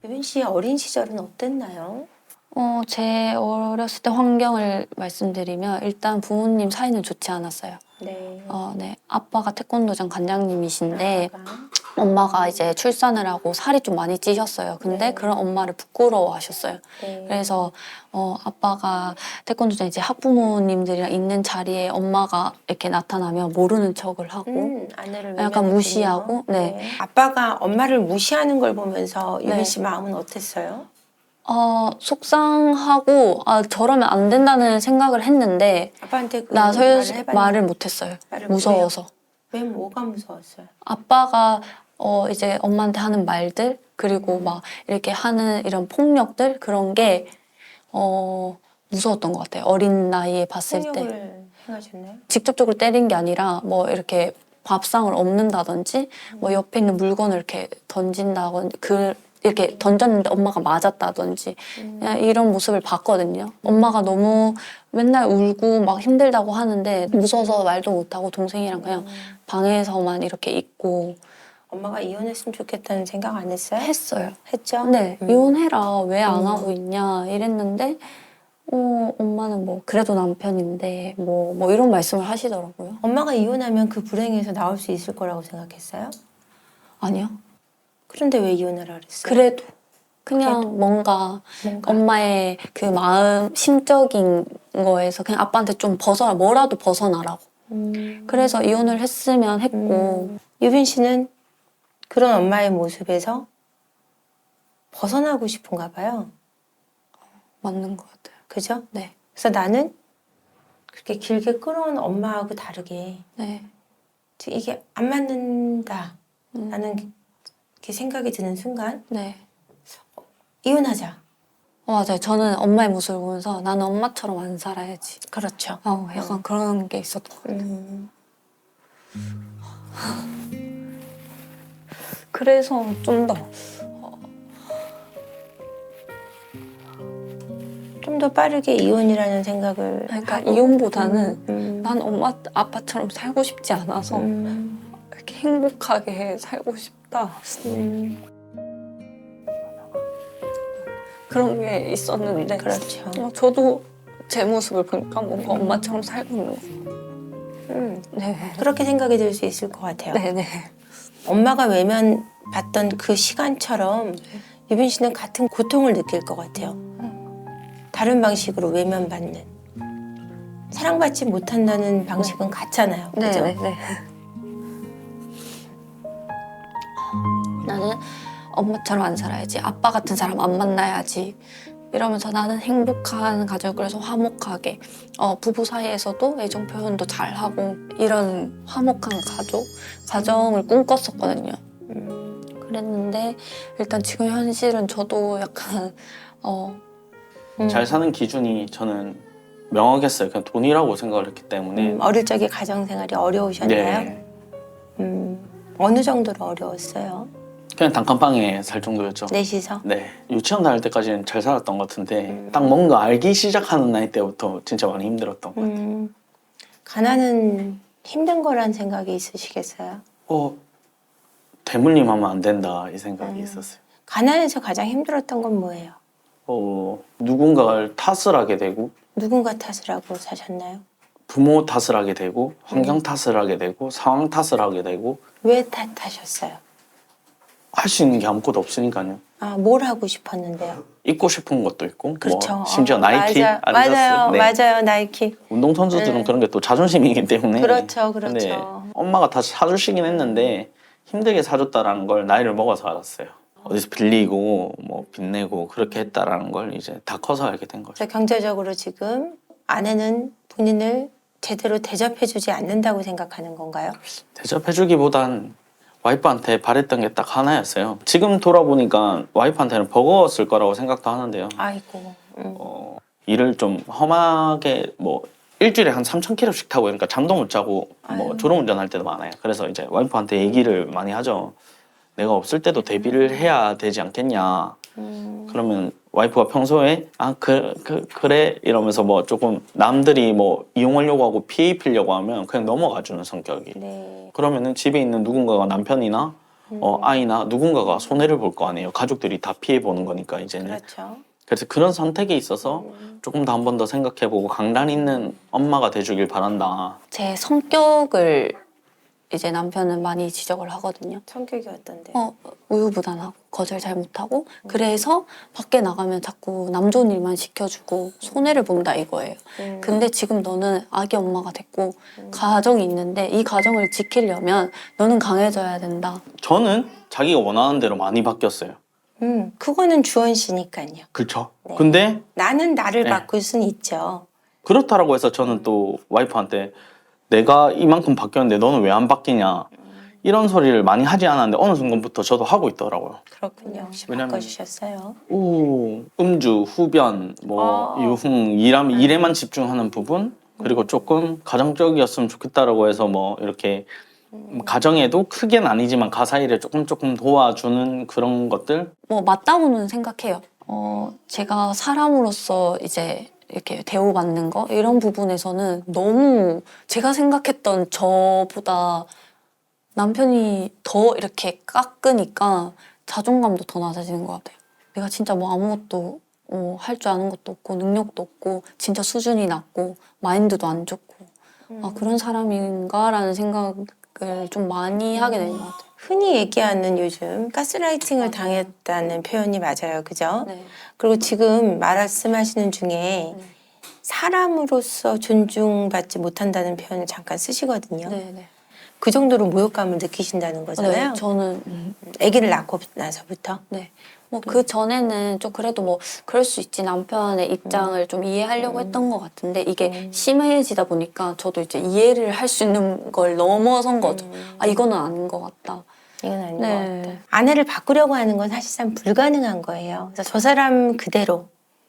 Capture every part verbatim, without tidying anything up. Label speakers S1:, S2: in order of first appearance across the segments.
S1: 유빈 씨의 어린 시절은 어땠나요?
S2: 어, 제 어렸을 때 환경을 말씀드리면 일단 부모님 사이는 좋지 않았어요.
S1: 네.
S2: 어, 네. 아빠가 태권도장 관장님이신데
S1: 아빠가.
S2: 엄마가 이제 출산을 하고 살이 좀 많이 찌셨어요. 근데
S1: 네.
S2: 그런 엄마를 부끄러워하셨어요.
S1: 네.
S2: 그래서 어, 아빠가 태권도장 이제 학부모님들이랑 있는 자리에 엄마가 이렇게 나타나면 모르는 척을 하고
S1: 음, 아내를
S2: 약간
S1: 외면했군요.
S2: 무시하고, 네.
S1: 아빠가 엄마를 무시하는 걸 보면서 유빈
S2: 네.
S1: 씨 마음은 어땠어요?
S2: 어, 속상하고 아, 저러면 안 된다는 생각을 했는데
S1: 아빠한테 그
S2: 나
S1: 말을
S2: 설
S1: 해봤나요?
S2: 말을 못했어요.
S1: 말을
S2: 무서워서.
S1: 왜 뭐가 무서웠어요?
S2: 아빠가 어 이제 엄마한테 하는 말들 그리고 막 이렇게 하는 이런 폭력들 그런 게 어 무서웠던 것 같아요. 어린 나이에 봤을 때
S1: 폭력을 행하셨나요?
S2: 직접적으로 때린 게 아니라 뭐 이렇게 밥상을 엎는다든지 뭐 옆에 있는 물건을 이렇게 던진다든지 그 이렇게 던졌는데 엄마가 맞았다든지 그냥 이런 모습을 봤거든요. 엄마가 너무 맨날 울고 막 힘들다고 하는데 무서워서 말도 못하고 동생이랑 그냥 방에서만 이렇게 있고
S1: 엄마가 이혼했으면 좋겠다는 생각 안 했어요?
S2: 했어요.
S1: 했죠?
S2: 네,
S1: 음.
S2: 이혼해라. 왜 안
S1: 음.
S2: 하고 있냐 이랬는데 어, 엄마는 뭐 그래도 남편인데 뭐, 뭐 이런 말씀을 하시더라고요.
S1: 엄마가 이혼하면 그 불행에서 나올 수 있을 거라고 생각했어요?
S2: 아니요.
S1: 그런데 왜 이혼하라 그랬어요?
S2: 그래도 그냥
S1: 그래도.
S2: 뭔가,
S1: 뭔가.
S2: 엄마의 그 마음 심적인 거에서 그냥 아빠한테 좀 벗어나 뭐라도 벗어나라고.
S1: 음.
S2: 그래서 이혼을 했으면 했고
S1: 음. 유빈 씨는 그런 엄마의 모습에서 벗어나고 싶은가 봐요.
S2: 맞는 것 같아요.
S1: 그죠?
S2: 네,
S1: 그래서 나는 그렇게 길게 끌어온 엄마하고 다르게
S2: 네.
S1: 지금 이게 안 맞는다
S2: 음,
S1: 라는 게 생각이 드는 순간
S2: 네.
S1: 이혼하자.
S2: 어, 맞아요. 저는 엄마의 모습을 보면서 나는 엄마처럼 안 살아야지.
S1: 그렇죠.
S2: 어, 약간 그런 게 있었던 것 같아요.
S1: 음.
S2: 그래서 좀 더
S1: 좀 더 빠르게 이혼이라는 생각을
S2: 그러니까
S1: 하고.
S2: 이혼보다는
S1: 음.
S2: 난 엄마 아빠처럼 살고 싶지 않아서
S1: 음.
S2: 이렇게 행복하게 살고 싶다
S1: 음.
S2: 그런 게 있었는데
S1: 그렇죠.
S2: 어, 저도 제 모습을 보니까 뭔가 엄마처럼 살고 있는 거.
S1: 음.
S2: 네,
S1: 그렇게 생각이 들 수 있을 것 같아요.
S2: 네, 네.
S1: 엄마가 외면받던 그 시간처럼 유빈 씨는 같은 고통을 느낄 것 같아요. 다른 방식으로 외면받는. 사랑받지 못한다는 방식은 같잖아요.
S2: 네,
S1: 그죠?
S2: 네, 네. 나는 엄마처럼 안 살아야지. 아빠 같은 사람 안 만나야지. 이러면서 나는 행복한 가족을 그래서 화목하게 어, 부부 사이에서도 애정 표현도 잘하고 이런 화목한 가족, 가정을 꿈꿨었거든요.
S1: 음.
S2: 그랬는데 일단 지금 현실은 저도 약간 어,
S1: 음.
S3: 잘 사는 기준이 저는 명확했어요. 그냥 돈이라고 생각을 했기 때문에.
S1: 음, 어릴 적에 가정생활이 어려우셨나요?
S3: 네.
S1: 음, 어느 정도로 어려웠어요?
S3: 그냥 단칸방에 살 정도였죠.
S1: 넷이서?
S3: 네. 유치원 다닐 때까지는 잘 살았던 것 같은데
S1: 음.
S3: 딱 뭔가 알기 시작하는 나이 때부터 진짜 많이 힘들었던 것 같아요.
S1: 음, 가난은 힘든 거란 생각이 있으시겠어요?
S3: 어, 대물림 하면 안 된다 이 생각이
S1: 음.
S3: 있었어요.
S1: 가난에서 가장 힘들었던 건 뭐예요?
S3: 어, 누군가를 탓을 하게 되고
S1: 누군가 탓을 하고 사셨나요?
S3: 부모 탓을 하게 되고 환경
S1: 음.
S3: 탓을 하게 되고 상황 탓을 하게 되고
S1: 왜 탓하셨어요?
S3: 할 수 있는 게 아무것도 없으니까요.
S1: 아, 뭘 하고 싶었는데요?
S3: 입고 싶은 것도 있고
S1: 그렇죠.
S3: 뭐 심지어
S1: 어,
S3: 나이키,
S1: 맞아,
S3: 아디다스.
S1: 맞아요,
S3: 네.
S1: 맞아요, 나이키.
S3: 운동선수들은
S1: 네.
S3: 그런 게 또 자존심이기 때문에
S1: 그렇죠, 그렇죠.
S3: 근데 엄마가 다 사주시긴 했는데 힘들게 사줬다라는 걸 나이를 먹어서 알았어요. 어디서 빌리고 뭐 빚내고 그렇게 했다라는 걸 이제 다 커서 알게 된 거죠.
S1: 그래서 경제적으로 지금 아내는 본인을 제대로 대접해주지 않는다고 생각하는 건가요?
S3: 대접해주기보단 와이프한테 바랬던 게 딱 하나였어요. 지금 돌아보니까 와이프한테는 버거웠을 거라고 생각도 하는데요.
S1: 아이고. 음.
S3: 어, 일을 좀 험하게 뭐 일주일에 한 삼천 킬로미터씩 타고 그러니까 잠도 못 자고 뭐
S1: 아유.
S3: 졸음운전할 때도 많아요. 그래서 이제 와이프한테 얘기를 많이 하죠. 내가 없을 때도 대비를 해야 되지 않겠냐.
S1: 음.
S3: 그러면 와이프가 평소에 아 그 그 그래 이러면서 뭐 조금 남들이 뭐 이용하려고 하고 피해 입히려고 하면 그냥 넘어가 주는 성격이.
S1: 네.
S3: 그러면은 집에 있는 누군가가 남편이나 어, 아이나 누군가가 손해를 볼 거 아니에요. 가족들이 다 피해 보는 거니까 이제는.
S1: 그렇죠.
S3: 그래서 그런 선택에 있어서
S1: 음.
S3: 조금 더 한 번 더 생각해보고 강단 있는 엄마가 돼주길 바란다.
S2: 제 성격을 이제 남편은 많이 지적을 하거든요.
S1: 성격이 어떤데?
S2: 어, 우유부단하고 거절 잘 못하고 그래서 밖에 나가면 자꾸 남 좋은 일만 시켜주고 손해를 본다 이거예요.
S1: 음.
S2: 근데 지금 너는 아기 엄마가 됐고
S1: 음.
S2: 가정이 있는데 이 가정을 지키려면 너는 강해져야 된다.
S3: 저는 자기가 원하는 대로 많이 바뀌었어요.
S1: 음, 그거는 주원 씨니까요.
S3: 그렇죠.
S1: 네.
S3: 근데
S1: 나는 나를
S3: 네.
S1: 바꿀 수는 있죠.
S3: 그렇다라고 해서 저는 또 와이프한테 내가 이만큼 바뀌었는데 너는 왜 안 바뀌냐 이런 소리를 많이 하지 않았는데 어느 순간부터 저도 하고 있더라고요.
S1: 그렇군요. 혹시
S3: 왜냐면-
S1: 바꿔주셨어요?
S3: 오, 음주, 후변, 뭐
S1: 아.
S3: 유흥, 일함, 일에만 집중하는 부분 그리고 조금 가정적이었으면 좋겠다라고 해서 뭐 이렇게 가정에도 크게는 아니지만 가사 일에 조금 조금 도와주는 그런 것들.
S2: 뭐 맞다고는 생각해요. 어, 제가 사람으로서 이제 이렇게 대우받는 거 이런 부분에서는 너무 제가 생각했던 저보다 남편이 더 이렇게 깎으니까 자존감도 더 낮아지는 것 같아요. 내가 진짜 뭐 아무것도 어, 할 줄 아는 것도 없고 능력도 없고 진짜 수준이 낮고 마인드도 안 좋고 아, 그런 사람인가라는 생각을 좀 많이 하게 되는 것 같아요.
S1: 흔히 얘기하는 요즘 가스라이팅을 당했다는 표현이 맞아요. 그죠?
S2: 네.
S1: 그리고 지금 말씀하시는 중에
S2: 네.
S1: 사람으로서 존중받지 못한다는 표현을 잠깐 쓰시거든요.
S2: 네, 네.
S1: 그 정도로 모욕감을 느끼신다는 거잖아요.
S2: 네, 저는 음,
S1: 아기를 낳고 나서부터.
S2: 네. 뭐 그 전에는 좀 그래도 뭐 그럴 수 있지 남편의 입장을 좀 이해하려고 했던 것 같은데 이게
S1: 음.
S2: 심해지다 보니까 저도 이제 이해를 할 수 있는 걸 넘어선 거죠.
S1: 음.
S2: 아 이거는 아닌 것 같다.
S1: 이건 아닌
S2: 네.
S1: 것 같다. 아내를 바꾸려고 하는 건 사실상 불가능한 거예요. 그래서 저 사람 그대로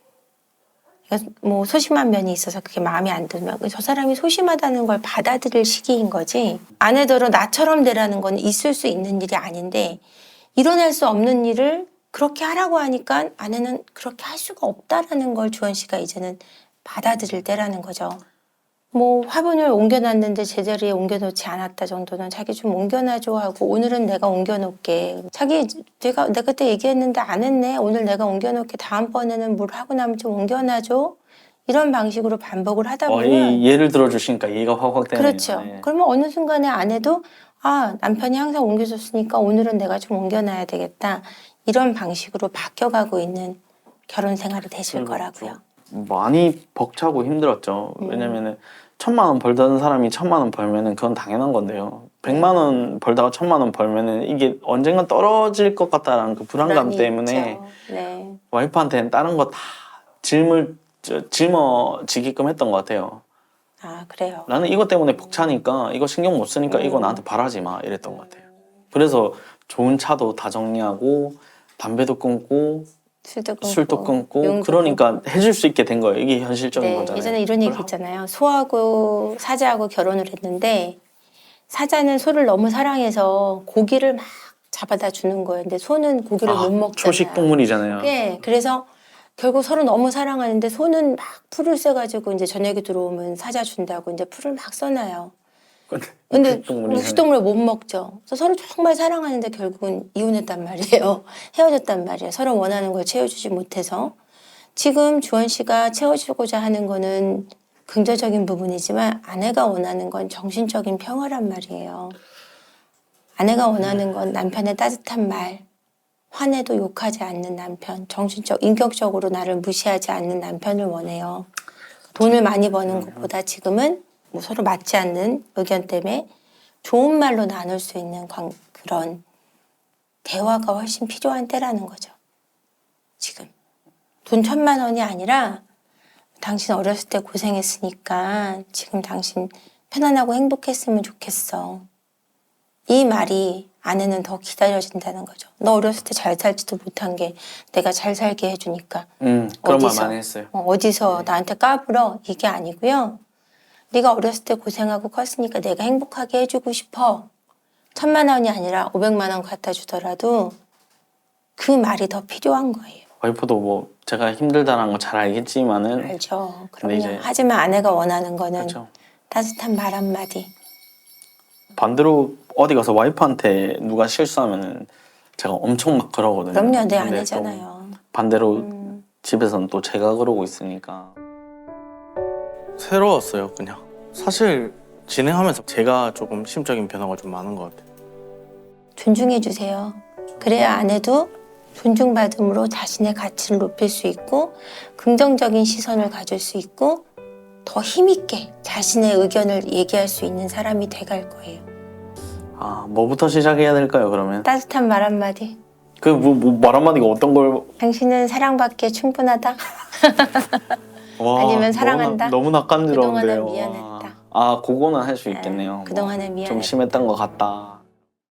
S1: 그러니까 뭐 소심한 면이 있어서 그게 마음에 안 들면 저 사람이 소심하다는 걸 받아들일 시기인 거지. 아내더러 나처럼 되라는 건 있을 수 있는 일이 아닌데 일어날 수 없는 일을 그렇게 하라고 하니까 아내는 그렇게 할 수가 없다라는 걸 주원 씨가 이제는 받아들일 때라는 거죠. 뭐 화분을 옮겨놨는데 제자리에 옮겨놓지 않았다 정도는 자기 좀 옮겨놔줘 하고 오늘은 내가 옮겨놓을게. 자기 내가 내가 그때 얘기했는데 안 했네. 오늘 내가 옮겨놓을게. 다음번에는 뭘 하고 나면 좀 옮겨놔줘. 이런 방식으로 반복을 하다
S3: 어,
S1: 보면
S3: 이 예를 들어주시니까 이해가 확확 되네요.
S1: 그렇죠.
S3: 네.
S1: 그러면 어느 순간에 아내도 아 남편이 항상 옮겨줬으니까 오늘은 내가 좀 옮겨놔야 되겠다. 이런 방식으로 바뀌어가고 있는 결혼 생활이 되실
S3: 그렇죠.
S1: 거라고요.
S3: 많이 벅차고 힘들었죠.
S1: 음.
S3: 왜냐면은 천만 원 벌던 사람이 천만 원 벌면은 그건 당연한 건데요. 백만 원 벌다가 천만 원 벌면은 이게 언젠간 떨어질 것 같다라는 그 불안감
S1: 불안이
S3: 때문에
S1: 있죠. 네.
S3: 와이프한테는 다른 거 다 짊을 저, 짊어지게끔 했던 것 같아요.
S1: 아 그래요.
S3: 나는 이것 때문에 벅차니까 이거 신경 못 쓰니까 이거
S1: 음.
S3: 나한테 바라지 마 이랬던 것 같아요. 그래서 좋은 차도 다 정리하고 담배도 끊고
S1: 술도 끊고,
S3: 술도 끊고
S1: 용도
S3: 그러니까
S1: 끊고.
S3: 해줄 수 있게 된 거예요. 이게 현실적인
S1: 네,
S3: 거잖아요.
S1: 예전에 이런 얘기
S3: 그걸
S1: 있잖아요. 소하고 사자하고 결혼을 했는데 사자는 소를 너무 사랑해서 고기를 막 잡아다 주는 거예요. 근데 소는 고기를
S3: 아,
S1: 못 먹잖아요.
S3: 초식 동물이잖아요.
S1: 네, 그래서 결국 서로 너무 사랑하는데 소는 막 풀을 쐬가지고 이제 저녁에 들어오면 사자 준다고 이제 풀을 막 써놔요. 근데
S3: 육식 동물이잖아요.
S1: 육식동물을 못 먹죠. 그래서 서로 정말 사랑하는데 결국은 이혼했단 말이에요. 헤어졌단 말이에요. 서로 원하는 걸 채워주지 못해서. 지금 주원 씨가 채워주고자 하는 거는 긍정적인 부분이지만 아내가 원하는 건 정신적인 평화란 말이에요. 아내가 원하는 건 남편의 따뜻한 말, 화내도 욕하지 않는 남편, 정신적, 인격적으로 나를 무시하지 않는 남편을 원해요. 돈을 많이 버는 것보다 지금은 뭐 서로 맞지 않는 의견 때문에 좋은 말로 나눌 수 있는 관- 그런 대화가 훨씬 필요한 때라는 거죠. 지금. 돈 천만 원이 아니라 당신 어렸을 때 고생했으니까 지금 당신 편안하고 행복했으면 좋겠어. 이 말이 아내는 더 기다려진다는 거죠. 너 어렸을 때 잘 살지도 못한 게 내가 잘 살게 해주니까
S3: 음, 그런 말
S1: 어디서?
S3: 많이 했어요.
S1: 어, 어디서
S3: 네.
S1: 나한테 까불어 이게 아니고요. 네가 어렸을 때 고생하고 컸으니까 내가 행복하게 해주고 싶어. 천만 원이 아니라 오백만 원 갖다 주더라도 그 말이 더 필요한 거예요.
S3: 와이프도 뭐 제가 힘들다는 거 잘 알겠지만은
S1: 알죠.
S3: 근데
S1: 그럼요.
S3: 이제-
S1: 하지만 아내가 원하는 거는
S3: 그렇죠.
S1: 따뜻한 말 한마디.
S3: 반대로 어디 가서 와이프한테 누가 실수하면은 제가 엄청 막 그러거든요.
S1: 그럼요, 내
S3: 근데
S1: 아내잖아요.
S3: 또 반대로
S1: 음.
S3: 집에서는 또 제가 그러고 있으니까 새로웠어요. 그냥 사실 진행하면서 제가 조금 심적인 변화가 좀 많은 것 같아요.
S1: 존중해 주세요. 그래야 아내도 존중받음으로 자신의 가치를 높일 수 있고 긍정적인 시선을 가질 수 있고 더 힘있게 자신의 의견을 얘기할 수 있는 사람이 돼갈 거예요.
S3: 아, 뭐부터 시작해야 될까요, 그러면?
S1: 따뜻한 말 한마디.
S3: 그 뭐 말 한마디가 어떤 걸
S1: 당신은 사랑받기에 충분하다.
S3: 와,
S1: 아니면 사랑한다.
S3: 너무 낯간지러운데요.
S1: 그동안은 미안했다.
S3: 아, 그거는 할 수 있겠네요.
S1: 아, 그동안은
S3: 뭐,
S1: 미안했다.
S3: 좀 심했던 것 같다.